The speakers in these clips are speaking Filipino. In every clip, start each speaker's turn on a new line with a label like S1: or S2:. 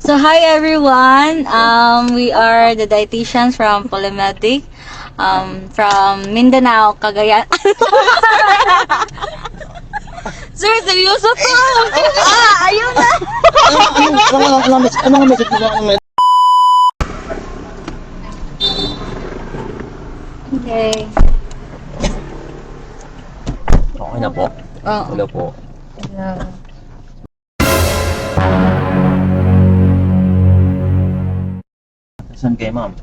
S1: So hi everyone. We are the dietitians from Polymedic. From Mindanao, Cagayan. Sir, seryoso to. Ayun na.
S2: Ano message mo?
S1: Okay.
S2: Okay na po.
S1: Oo.
S2: Hello po. Saan kayo, ma'am?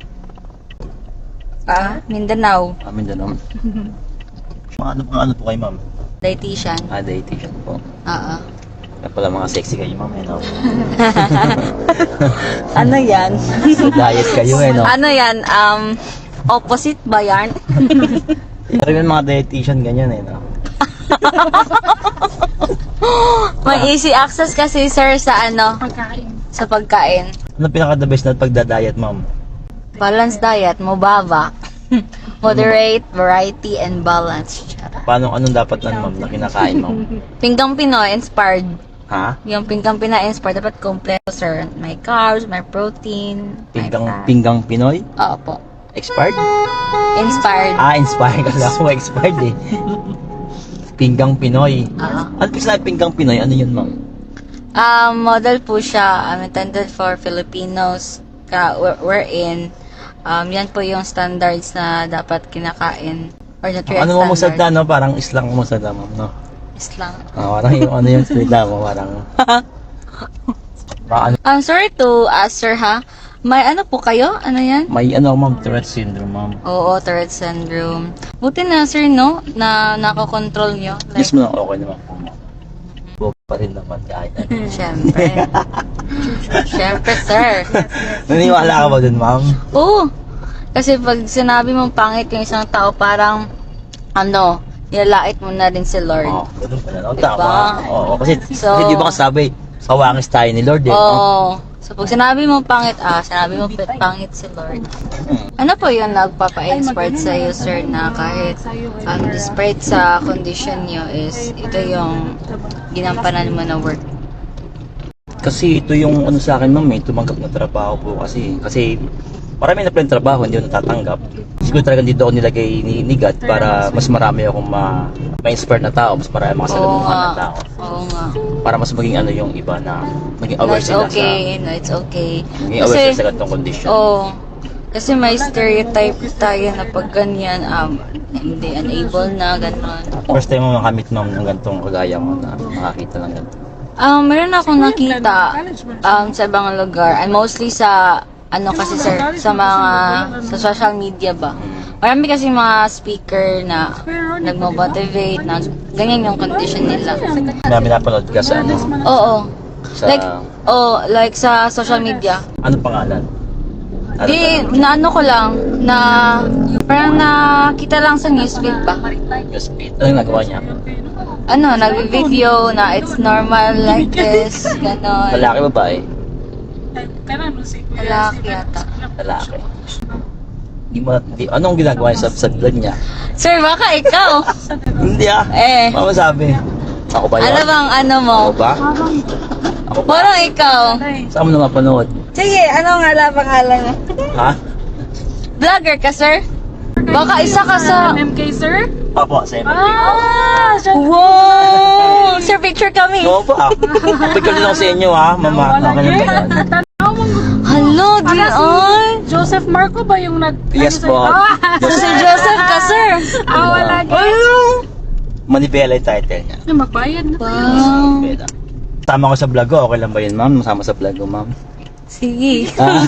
S1: Mindanao.
S2: Mindanao. Ano po kayo, ma'am?
S1: Dietitian.
S2: Dietitian po.
S1: Oo.
S2: Kaya pala mga sexy kayo, ma'am, eh, no?
S1: Ano yan?
S2: Diet kayo, eh, no?
S1: Ano yan? Opposite ba yan?
S2: Pero yung mga dietitian, ganyan, eh, no?
S1: May easy access kasi sir sa ano? Sa pagkain.
S2: Ano pinaka-the best na pagda-diet, ma'am?
S1: Balanced diet, mubaba. Moderate, variety, and balance.
S2: Anong dapat ma'am, na kinakain, ma'am?
S1: Pinggang Pinoy inspired.
S2: Ha?
S1: Yung Pinggang Pinoy inspired, dapat kompleto sir. May carbs, may protein, may fat.
S2: Pinggang Pinoy?
S1: Opo.
S2: Expired?
S1: Inspired.
S2: Inspired. Kasi ako expired, eh. Pinggang Pinoy.
S1: Oo.
S2: Ano po sa pinggang Pinoy? Ano yun, ma'am?
S1: Model po siya, intended for Filipinos. We're in. Yan po yung standards na dapat kinakain. Or nutrient
S2: Ano mo musad
S1: standard.
S2: na, no? Parang islang musad na, ma'am, no?
S1: Islang.
S2: Parang yung ano yung salita mo, parang... Baka
S1: I'm sorry to ask sir ha. May ano po kayo? Ano yan?
S2: may ano, ma'am, Tourette syndrome, ma'am.
S1: Oo, Tourette syndrome. Buti na sir no, na nakakontrol nyo. Like,
S2: Yes mo na, okay naman po, ma'am. Buo pa rin naman kahit ano.
S1: syempre. Syempre sir.
S2: Naniwala ka ba dun, ma'am?
S1: Oo. Kasi pag sinabi mong pangit yung isang tao, parang ano, nilalait mo na rin si Lord.
S2: Oo, ganun pala, no?
S1: Diba?
S2: Tama. Oo, kasi
S1: So-
S2: di ba kasabi, sawangis tayo ni Lord, eh. no?
S1: Oo. So pag sinabi mo pangit, sinabi mo pangit si Lord. Ano po yung nagpapa-inspired sa iyo, sir, na kahit despite sa condition nyo is ito yung ginampanan mo na work?
S2: Kasi ito yung ano sa akin, ma'am, tumanggap na trabaho po kasi marami na pala yung trabaho, hindi ko natatanggap. Siguro talagang dito ako nilagay ni God para mas marami akong ma-inspire na tao, mas marami makasalamuhan na tao.
S1: Oo nga.
S2: Para mas maging ano yung iba na maging
S1: No,
S2: aware
S1: it's
S2: sila
S1: okay. No, it's okay.
S2: maging aware sila sa ganitong condition.
S1: Kasi may stereotype tayo na pag ganyan, hindi unable na, gano'n.
S2: First time mo makamit, ma'am, ng ganitong kagaya ko na makakita ng ganito.
S1: Meron akong nakita sa ibang lugar, and mostly sa ano kasi sir, sa social media ba. Marami kasi mga speaker na nagmo-motivate na ganyan yung condition nila.
S2: Marami napanood ka sa ano?
S1: Oo.
S2: Sa,
S1: Like sa social media.
S2: ano pangalan? Ano
S1: Di, naano ko lang, na parang nakita lang sa newsfeed ba?
S2: Speed. Ano yung nagawa niya?
S1: Ano, nag-video na it's normal like this, gano'n.
S2: Lalaki, babae?
S1: Lalaki yata.
S2: Lalaki. Anong ginagawa niya sa vlog niya?
S1: Sir, baka ikaw.
S2: Hindi Mama sabi. Ako ba yun?
S1: Ano bang ano mo?
S2: Ako ba? Ako ba?
S1: Parang ikaw.
S2: Saan mo na mapanood?
S1: Sige, ano nga la pangalan mo?
S2: Ha?
S1: Vlogger ka, sir? Baka isa ka sa...
S3: MK, sir?
S2: Opo, sa MLB.
S1: Wow! Sir, picture kami.
S2: Oo po. Picture din ako sa inyo, ha? Mama, okay lang ba yan?
S1: Hello, Dion.
S3: Joseph Marco ba yung
S2: Yes po.
S1: Si Joseph ka, sir.
S3: wala
S2: Manibela yung title niya.
S3: Magbayad na.
S1: Wow.
S2: Manibela. Tama ko sa vlog ko, okay lang ba yun, ma'am? Masama sa vlog ko, ma'am.
S1: Sige.
S2: Ah.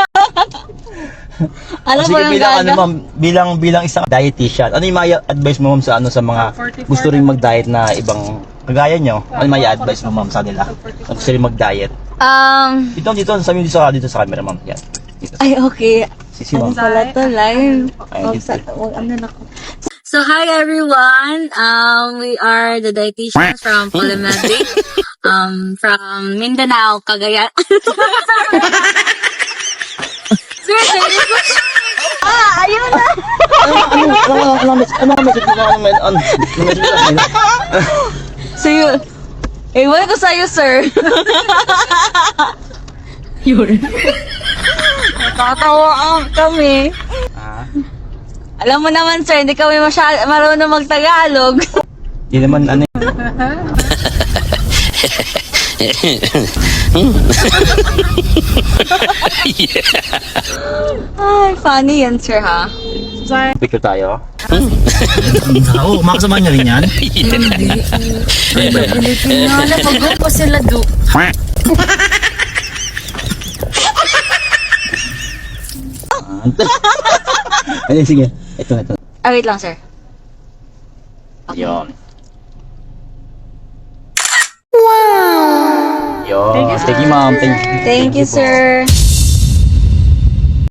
S1: Alam mo
S2: Sige,
S1: yung
S2: bilang ano,
S1: gaga?
S2: ma'am, bilang isang dietitian, ano yung may advice mo, ma'am, sa mga gusto rin mag-diet na ibang kagaya nyo? Ano yung may advice mo, ma'am, sa nila? Na gusto rin mag-diet? Dito, dito sa camera, ma'am. Yan. Dito.
S1: Ay, okay.
S2: Sisi,
S1: Ano
S2: ma'am.
S1: pala to, live?
S2: Ay,
S1: Ano na ko. So, hi everyone. We are the dietitians from Polymedic. From Mindanao, Cagayan. Sir, seryoso? Ayun na.
S2: Ano message mo?
S1: So, yun. Ewan ko sa'yo, sir. Natatawa kami.
S2: Ah,
S1: Alam mo naman sir, hindi kami marunong mag-Tagalog.
S2: di naman ano
S1: Ay, funny yan sir ha.
S2: picture tayo.
S4: Oo, makasama niya rin yan.
S3: Wala, mag-go sila do.
S2: Ayun, sige. Ito.
S1: Ah, wait lang sir.
S2: Yun. Wow! Yun. Thank you, ma'am. Thank you.
S1: Thank you
S2: po.
S1: sir.